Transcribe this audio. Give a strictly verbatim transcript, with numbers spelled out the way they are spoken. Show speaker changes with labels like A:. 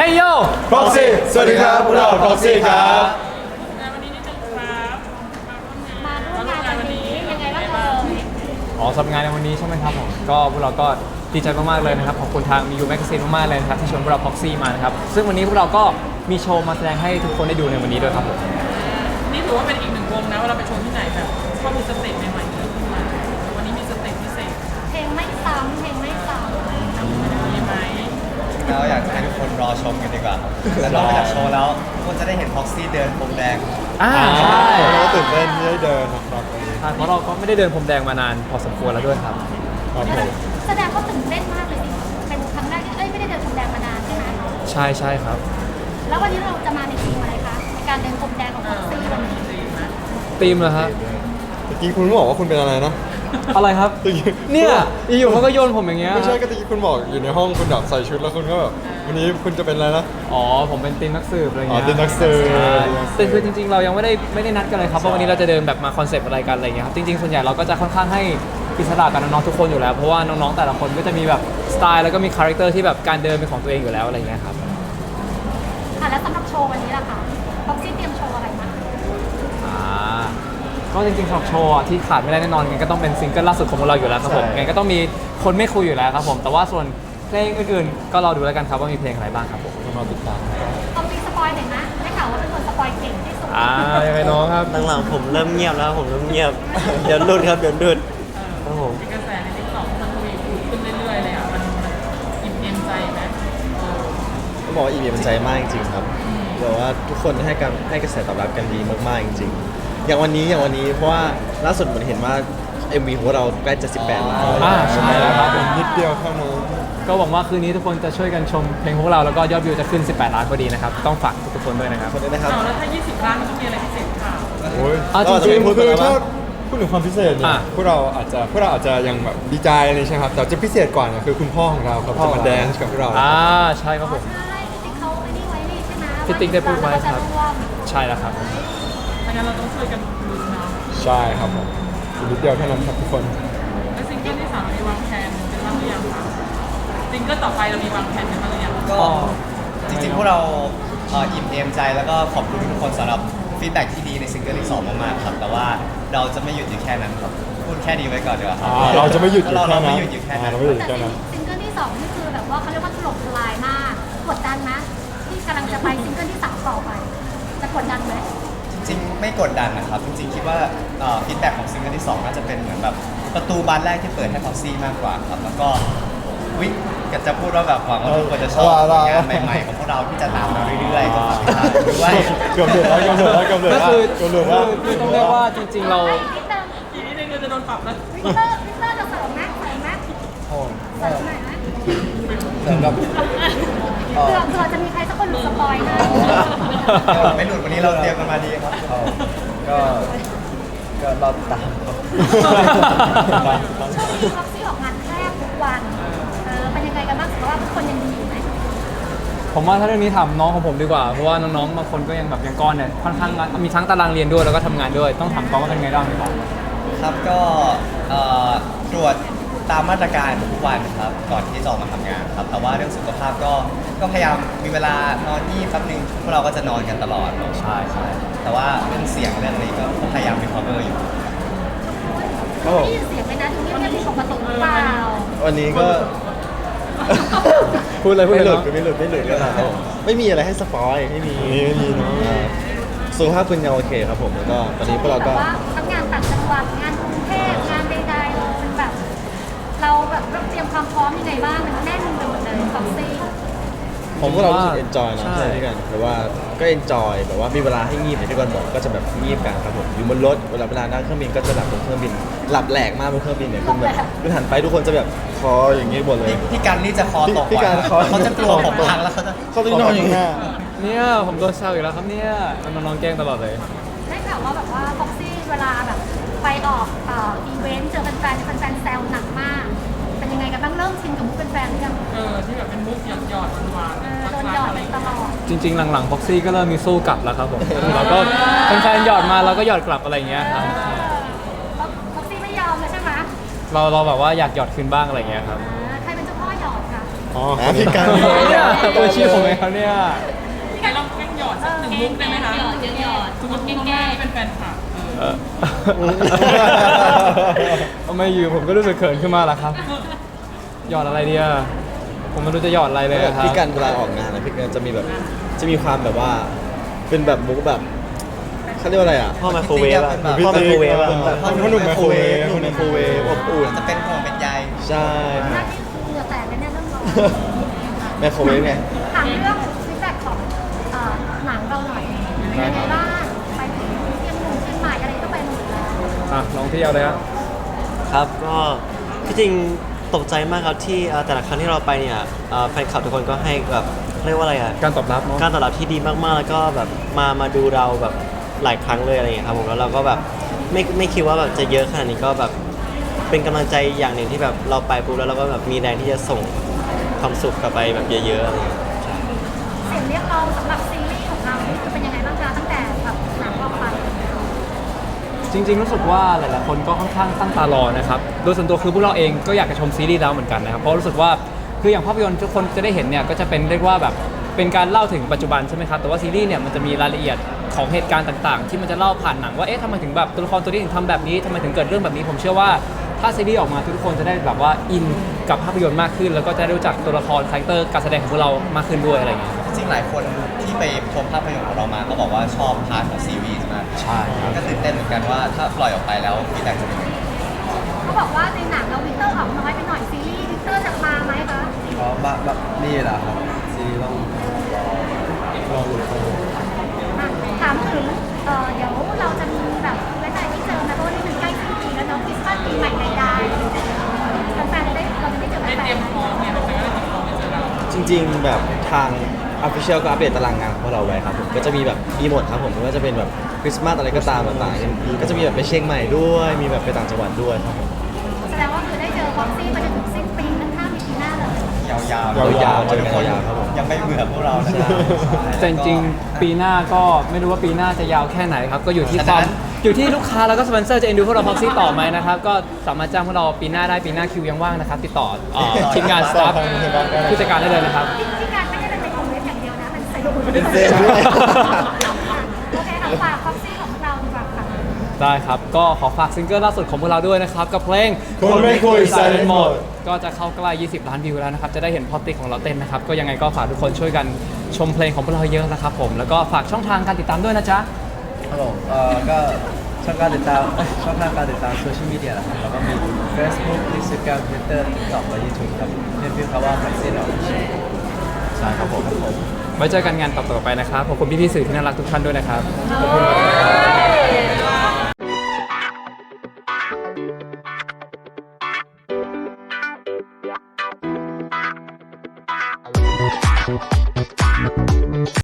A: Hey yo
B: Proxy สวัสดีครับพวกเรา Proxy ครับ
C: วันนี้นิดนึงครับ
D: มาร่วมงานวันนี้ยังไงบ้างเอ่ย
A: อ๋อสำหรับงานในวันนี้ใช่ไหมครับผมก็พวกเราก็ดีใจมากๆเลยนะครับขอบคุณทางมียูแมกซีนมากๆเลยนะครับที่ชวนพวกเรา Proxy มานะครับซึ่งวันนี้พวกเราก็มีโชว์มาแสดงให้ทุกคนได้ดูในวันนี้ด้วยครับผม
C: นี่ถือว่าเป็นอีกหนึ่งวงนะเวลาไปโชว์ที่ไหนแบบชอบมีสเต็ปใหม่ๆเยอะขึ้นมาวันนี้มีสเต็ปพิเศษค่ะ
D: เพลงไม่ซ้ำเพลงไม่ซ้ำ
C: มีไหม
E: เราอยากให้ทุกคนรอชมกันดีกว่าครับแต่นอกจากโชว์แล้วทุกคนจะได้เห็นพ็อกซี่เดินพรมแดง
A: อ่าใช่
B: เราตื่นเต้นที่ได้เดินนะครับวันนี้
A: ใช่เพราะเราก็ไม่ได้เดินพรมแดงมานานพอสมควรแล้วด้วยครับ
B: ครับผม
D: แสดงว่าตื่นเต้นมากเลยดิเป็นครั้งแรกที่เอ้ยไม่ได้เดินพรมแดงมานานใช่ไหม
A: ใช่ใช่ครับ
D: แล้ววันนี้เราจะมาในทีมอะไรคะในการเดินพรมแดงของพ็อกซี่วันนี้
A: ธีมเหรอครับ
B: ตะกี้คุณบอกว่าคุณเป็นอะไรนะ
A: อะไรครับ
B: ตะกี้
A: เนี่ยอยู่ๆเขาก็โยนผมอย่างเงี้ย
B: ไม่ใช่ก็ตะกี้คุณบอกอยู่ในห้องคุณแบบใส่ชุดแล้วคุณก็แบบวันนี้คุณจะเป็นอะไรนะ
A: อ๋อผมเป็นทีมนักสืบอะไร
B: อ๋อ
A: เงี้ย
B: ทีมนักสืบ
A: ใช่แต่คือจริงๆเรายังไม่ได้ไม่ได้นัดกันเลยครับว่าวันนี้เราจะเดินแบบมาคอนเซปต์อะไรกันอะไรเงี้ยครับจริงๆส่วนใหญ่เราก็จะค่อนข้างให้อิสระกับน้องๆทุกคนอยู่แล้วเพราะว่าน้องๆแต่ละคนก็จะมีแบบสไตล์แล้วก็มีคาแรคเตอร์ที่แบบการเดินเป็นของตัวเองอยู่แล้วอะไรเงี้ยครับ
D: อ่ะแล้วสำหรับโชว์วันนี้ล่ะคะพ็อกซี่เตรียมโชว์อะไรมา
A: อ่าก็จริงๆสำหรับโชว์อะที่ขาดไม่ได้แน่นอนงั้นก็ต้องเป็นซิงเกิลล่าสุดของพวกเราอยู่แล้วครับผมงั้นก็ต้องมีคนไม่คุยอยู่แล้วครับผมแต่ว่าส่วนเพลงอื่นๆก็รอดูแล้วกันครับว่ามีเพลงอะไรบ้างครับผม
B: ต้องรอติดตาม
D: เอาปีสปอยหน่อยนะได้ข่าวว่าเป็นคนสปอยเก่งที่สุด
A: อ่ายังไงน้องครับ
F: หลังๆผมเริ่มเงียบแล้วผมเริ่มเงียบ เดี๋ยวรุดครับเดี๋ยวรุดครับผม
C: มีกระแสในทิกตอกมันทวีคูณขึ้นเรื่อยๆเลยอ่ะมันมันอิ่มเอมใจไหมเออ
F: ต้องบอกว่าอีเมลใจมากจริงๆครับแบบว่าทุกคนให้การให้กระแสตอบรับกันดีมากๆจริงๆ อย่างวันนี้อย่างวันนี้เพราะว่าล่าสุดเหมือนเห็นว่า เอ็ม วี ของเราใกล้จะสิบแปดล้าน
A: อ่าใช่แล้วครับผม
B: นิดเดียวเท่านั้น
A: ก็หวังว่าคืนนี้ทุกคนจะช่วยกันชมเพลงพวกเราแล้วก็ยอดวิวจะขึ้นสิบแปดล้านพอดีนะครับต้องฝากทุกๆคนด้วยนะครับ
F: คนนี้นะครับ
C: เอาแล้วถ้ายี่สิบล้านมันต้องมีอะไรพิเศษค่ะ
B: โอ้ย
A: อ่ะ
B: จ
A: จริ
B: ริ
A: ง
B: ง
A: ๆ
B: ๆคือถ้าพูดถึงความพิเศษเนี่ย
A: อ่ะ
B: พวกเราอาจจะพวกเราอาจจะยังแบบดีใจอะไรใช่ไหมครับแต่จะพิเศษกว่าเนี่ยคือคุณพ่อของเราครับจะมาแดนซ์กับพวกเรา
A: อ่าใช่ครับผม
D: ใช่พี่ติ๊กเขาไอ้นี่ไว้นี่ใช่ไหม
A: พี่ติ๊กได้พูดไว้ครับ
D: ว่าจะวม
A: ใช่แล้วครับ
C: ถ้างั้นเราต้องช่วยกันลุ้นเนาะ
B: ใช่ครับผมอีกนิดเดียวเท่านั้นครับทุกคน
C: แล้วซิงเกิลที่สามเรามีวางแผนเป็นบ้างหรือยังคะซิงเกิลต่อไปเรามีวางแผนเป็นบ้างหรือยัง
E: ก็จริงๆ พวกเราเอ่ออิ่มเอมใจแล้วก็ขอบคุณทุกคนสำหรับฟีดแบ็กที่ดีในซิงเกิลที่สองมากๆครับแต่ว่าเราจะไม่หยุดอยู่แค่นั้นครับพูดแค่นี้ไว้ก่อนดีกว่าครับ
B: อ่าเราจะไม่หยุดอยู่
E: เรา
B: แค่
E: เรา
B: นั้
E: ไม่
B: น
E: หยุดอยู่แค่
B: อ่า
E: นั้น
B: เราไม่หยุดอยู่
D: แต่
B: แค่นั้น
D: ซิงเกิลที่สองนี่คือแบบว่าเขาเรียกว่าถล่มทลายมากกดดันนะที่กำลังจะไปซิงเกิลที่สามต่อไป จะกดดันไหม
E: จริงๆไม่กดดันนะครับจริงๆคิดว่าฟีดแบ็กของซิงเกิลที่สองน่าจะเป็นเหมือนแบบประตูบานแรกที่เปิดให้พ็อกซี่มากกว่าครับแล้วก็วิกจะพูดว่าแบบหวังว่าทุกคนจะชอบผลงานใหม่ๆของพวกเราที่จะตามมาเรื่อยๆก็ฝากติดตามด้วย
B: เกือบเดือดแล้วเกือบเดือดแล้วเกือบเดือด
A: ก็
B: แล้ว
A: คือ
B: เกือบเดือดแล้ว
A: คือต้องเรียกว่าจริงๆเรา
D: ไอ้นิดนึง
C: ทีนี้เนี่ยจะโดนปรับแล้ว
D: วิกเตอร์วิกเตอร์จะเสริมไหมเสริมไหมเสริมหน่อยไหม
E: สำหรับ
D: เผื่อเผื่อจะมีใครสักคนหลุดสปอยนะ
E: ไม่หลุดวันนี้เราเตรียมกันมาดีครับ
F: ก็ก็รอติดตามครับ
D: ช่วงนี้พ็อกซี่ออกงานแทบทุกวันเออเป็นยังไงกันบ้างสุขภาพทุกคนยังดีอยู่ไหม
A: ผมว่าถ้าเรื่องนี้ถามน้องของผมดีกว่าเพราะว่าน้องๆบางคนก็ยังแบบยังก้อนเนี่ยค่อนข้างมีทั้งตารางเรียนด้วยแล้วก็ทำงานด้วยต้องถามก้อนว่าเป็นไงบ้างดีกว่า
E: ครับก็เอ่อตรวจตามมาตรการทุกวันครับก่อนที่จะออกมาทำงานครับแต่ว่าเรื่องสุขภาพก็ก็พยายามมีเวลานอนที่แป๊บนึงพวกเราก็จะนอนกันตลอด
A: ใช่ใช่
E: แต่ว่าเรื่องเสียงเรื่องอะไรก็พยายามมี cover อยู่
F: ครับผม
D: ได้ยินเสียงไหมนะดูเงียบๆผิดปกติหรือเปล่า
F: วันนี้ก็
A: พูดเลยพูด
F: ไม่
A: เลย
F: หลุด
A: เนาะ
F: ไม่หลุดไม่หลุดก็ได้ครับผมไม่มีอะไรให้สปอยไม่มี
B: นี่ไม่มีเนาะ
F: อ่าสุขภาพคุณยังโอเคครับผมแล้วก็ตอนนี้พวกเราก็
D: แบบว่าทั้งงานต่างจังหวัดงานกรุงเทพงานใดๆเราเป็นแบบ เราแบบเราเตรียมความพร้อมยังไงบ้างมันแน่นไปหมดเลยฟ็อกซี่
F: ผมพวกเรารู้สึกเอนจอยนะ
A: ใช่
F: ใช่ด้วยกันแต่ว่าก็เอนจอยแบบว่ามีเวลาให้งีบอย่างที่ก่อนบอกก็จะแบบงีบกันครับผมอยู่บนรถเวลาเวลานั่งเครื่องบินก็จะหลับบนเครื่องบินหลับแหลกมากบนเครื่องบินเนี่ยคุณแบบคุณหันไปทุกคนจะแบบคออย่างนี้หมดเลย
E: พี่พี่กันนี่จะคอตก
F: พี่
E: ก่อน
F: การคอ
E: เขาจะกลัวผมพังแล้วเขาจะ
F: เขาต้องนอนอย่างหน้า
A: เนี่ยผมโดนแซวอีกแล้วครับเนี่ยน้องๆแกล้งตลอดเลย
D: ได้ข่าวว่าแบบว่าฟ็อกซี่เวลาแบบไปออกเอ่ออีเวนต์เจอแฟนๆแฟนๆแซวหนักมาก เป็นยังไงกันบ้างเริ่มชินกับมุกแฟนๆหรือยัง
C: เออที่แบบเป็นมุกหยอดหยอดๆหวาน
D: เอ
C: ๆ
D: อโดน
C: รั
D: หย
C: ก
D: อ
C: ๆ
D: ด
C: อะไร
D: ไปตลอด
A: จริงๆ หลังๆ Proxy ก็เริ่มมีสู้กลับแล้วครับผมเราก็แฟนๆหยอดมาเราก็หยอดกลับอะไรอย่างเงี้ยครับ
D: ฟ็อกซี่ไม่ยอมเลยใช่ไหม
A: เราเราแบบว่าอยากหยอดคืนบ้างอะไรอย่างเงี้ยครับ
D: อ่าใครเป็นเจ้าพ่อหยอดคะ
B: อ๋อ
F: อ่ะพี่กัน
A: เนี่ยตัวชี้ผมเองครับเนี่ย
C: ใครลองแกล้งหยอดสักหนึ่งมุกได้ไหมคะ
G: หยอดหยอด
C: สมมติคุณแม่เป็นแฟนคลับเออ
A: ทำไมอยู่ผมก็รู้สึกเขินขึ้นมาล่ะครับหยอดอะไรดีอะผมไม่รู้จะหยอดอะไรเลยอะครับ
F: พี่กันเวลาออกงานนะพี่กันจะมีแบบจะมีความแบบว่าเป็นแบบมุกแบบเขาเรียกว่าอะไรอ่ะ
E: พ่อไมโครเวฟอะ
F: พ่อไมโครเวฟอะ
B: พ่อหนุ่มไมโครเวฟ
F: พ่อไมโครเวฟอบอุ่น
E: จะเป็นห่วงเป็นใย
F: ใช่
D: หน้าที่คือเหงื่อแตกเลยเนี่ยเรื่องร้อน
F: ไมโครเวฟไง
D: ถามเรื่องฟีดแบ็กของเอ่อหนังเราหน่อยเป็นยังไงบ้างไปถึงเชียงหนุ่มเชียงใหม่อะไรก็ไปหมดแล้ว
A: อ่ะลองพี่เอาเลยครับ
H: ครับก็ที่จริงตกใจมากครับที่เอ่อแต่ละครั้งที่เราไปเนี่ยเอ่อแฟนคลับทุกคนก็ให้แบบเรียกว่าอะไรอ่ะ
A: การตอบรับเนาะ
H: การตอบรับที่ดีมากๆแล้วก็แบบมามาดูเราแบบหลายครั้งเลยอะไรอย่างเงี้ยครับผมแล้วเราก็แบบไม่ไม่คิดว่าแบบจะเยอะขนาดนี้ก็แบบเป็นกำลังใจอย่างหนึ่งที่แบบเราไปปุ๊บแล้วเราก็แบบมีแรงที่จะส่งความสุขกลับไปแบบเยอะๆอะไรอย่างเงี้ยใช่
D: เสียงเรียกร้องสำหรับซีรีส์ของเรานี่คือเป็นยังไงบ้างคะตั้งแต่แบบหนังออกไป
A: จริงๆรู้สึกว่าหลายๆคนก็ค่อนข้างตั้งตารอนะครับโดยส่วนตัวคือพวกเราเองก็อยากจะชมซีรีส์แล้วเหมือนกันนะครับเพราะรู้สึกว่าคืออย่างภาพยนตร์ทุกคนจะได้เห็นเนี่ยก็จะเป็นเรียกว่าแบบเป็นการเล่าถึงปัจจุบันใช่ไหมครับแต่ว่าซีรีส์เนี่ยมันจะมีรายละเอียดของเหตุการณ์ต่างๆ ที่มันจะเล่าผ่านหนังว่าเอ๊ะทำไมถึงแบบตัวละครตัวนี้ถึงทำแบบนี้ทำไมถึงเกิดเรื่องแบบนี้ผมเชื่อว่าถ้าซีรีส์ออกมาทุกคนจะได้แบบว่าอินกับภาพยนตร์มากขึ้น แล้วก็จะได้รู้จักตัวละครคาแรคเตอร์การแสดงของพวกเรามากขึ้นด้วยอะไรอย่างเงี้ยครับ
E: จริงๆหลายคนที่ไปชมภาพยนตร์ของเรามาก็บอกว่าชอบพาร์ทของซีรีส์มาก
A: ใช่ครับ
E: ก็ตื่นเต้นเหมือนกันว่าถ้าปล่อยออกไปแล้วฟีดแบ็กจะเป็นยังไง
D: เขาบอกว่าในหนังเราวิกเตอร์ออกน้อยไปหน่อยซีรีส์วิกเตอร์จะมาไหมคะ
E: อ๋อแบบแบบนี่แหละครับซีรีส์ต้อง
D: อ่ะถามถึงเอ่อเดี๋ยวเราจะมีแบบเวลาที่เจอนะเพราะว่านี่มันใกล้สิ้นปีแล้วเนาะคริสต์มาสปีใหม่ใดๆแฟนๆจะได้เราจะได้เจอ
C: ได้
D: แฟ
C: เตรีย
D: น
C: มพร้อมไงมันจะได้เตรียมพร้อมไปเจอเรา
F: จริงๆแบบทาง Official ก็อัปเดตตารางงานของพวกเราไว้ครับผมก็จะมีแบบมีหมดครับผมไม่ว่าจะเป็นแบบคริสต์มาสอะไรก็ตามต่างๆก็จะมีแบบไปเชียงใหม่ด้วยมีแบบไปต่างจังหวัดด้วยครับผม
D: ๆแสดงว่าคือได้เจอฟ็อกซี่ไปจนถึงสิ้นปีนั่นห้ามีปีหน้าเลย
E: ยาวๆ
F: ยาวๆ
E: เพราะทุกคน
F: ยาวๆครับผม
E: ยังไม่เบื่อพวกเรานะ
A: แต่จริงๆปีหน้าก็ไม่รู้ว่าปีหน้าจะยาวแค่ไหนครับก็อยู่ที่ความอยู่ที่ลูกค้าแล้วก็สปอนเซอร์จะเอ็นดูพวกเราพ็อกซี่ต่อไหมนะครับก็สามารถจ้างพวกเราปีหน้าได้ปีหน้าคิวยังว่างนะครับติดต่อเอ่อทีมงานสตาฟผู้จัดการได้เลยนะครับ
D: ที่การไม่ได้เป็นในคอมเมนต์อย่างเดียวนะมันใส่
F: เป็นเซลล์ด้วย
D: โอเคค่ะฝากฟ็อกซี่ของเราดีกว่าค่ะ
A: ได้ครับ ก็ขอฝากซิงเกิลล่าสุดของพวกเราด้วยนะครับ กับเพลง
B: คนไม่คุย Silent Mode
A: ก็จะเข้าใกล้ยี่สิบล้านวิวแล้วนะครับ จะได้เห็นพอติกของเราเต้นนะครับ ก็ยังไงก็ฝากทุกคนช่วยกันชมเพลงของพวกเราเยอะนะครับผม แล้วก็ฝากช่องทางการติดตามด้วยนะจ๊ะ
I: ครับผมเอ่อก็ช่องการติดตามเอ้ยช่องทางการติดตามโซเชียลมีเดียนะครับแล้วก็มี Facebook Instagram Twitter TikTok และ YouTube ครับเพียงพิมพ์คำว่า Proxy เรา
A: ใช่ครับผม ไว้เจอกันงานต่อๆไปนะครับ ขอบคุณพี่ๆสื่อที่น่ารักทุกท่านด้วยนะครับ ขอบคุณครับ
D: Thank you.